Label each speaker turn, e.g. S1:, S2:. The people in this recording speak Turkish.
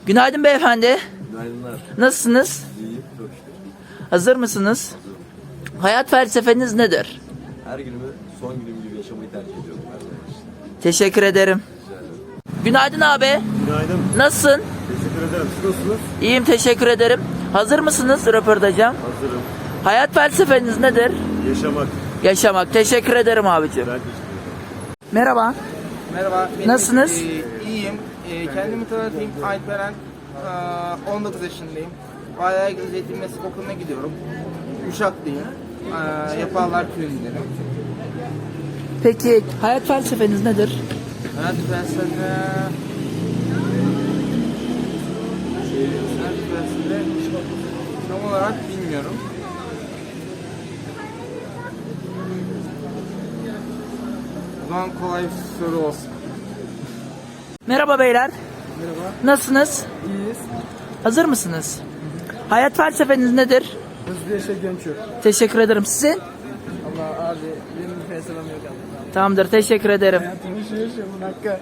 S1: Günaydın beyefendi.
S2: Günaydınlar.
S1: Nasılsınız?
S2: İyiyim, çok şükür.
S1: Hazır mısınız? Hayat felsefeniz nedir?
S2: Her günümü son günüm gibi yaşamayı tercih ediyorum her zaman.
S1: Teşekkür ederim. Günaydın abi.
S3: Günaydın.
S1: Nasılsın?
S3: Teşekkür ederim. Siz nasılsınız?
S1: İyiyim, teşekkür ederim. Hazır mısınız röportaja?
S3: Hazırım.
S1: Hayat felsefeniz nedir?
S3: Yaşamak.
S1: Yaşamak. Teşekkür ederim abicim.
S3: Ben teşekkür ederim.
S1: Merhaba.
S4: Merhaba.
S1: Nasılsınız?
S4: İyiyim. Kendimi tanıtayım. Alperen. 19 yaşındayım. Bayağı Eğitim Meslek Okulu'na gidiyorum. Uşaklıyım. Yaparlar köyündenim.
S1: Peki hayat felsefeniz nedir?
S4: Hayat felsefe... Hayat felsefe... Tam olarak bilmiyorum. O zaman kolay bir soru olsun.
S1: Merhaba beyler.
S4: Merhaba.
S1: Nasılsınız?
S4: İyiyiz.
S1: Hazır mısınız? Hayat felsefeniz nedir?
S4: Hızlı yaşa genç yok.
S1: Teşekkür ederim. Sizin?
S4: Allah abi benim bir felsefem yok abi.
S1: Tamamdır. Teşekkür ederim.
S4: Hayatımı yaşa bunun hakkı.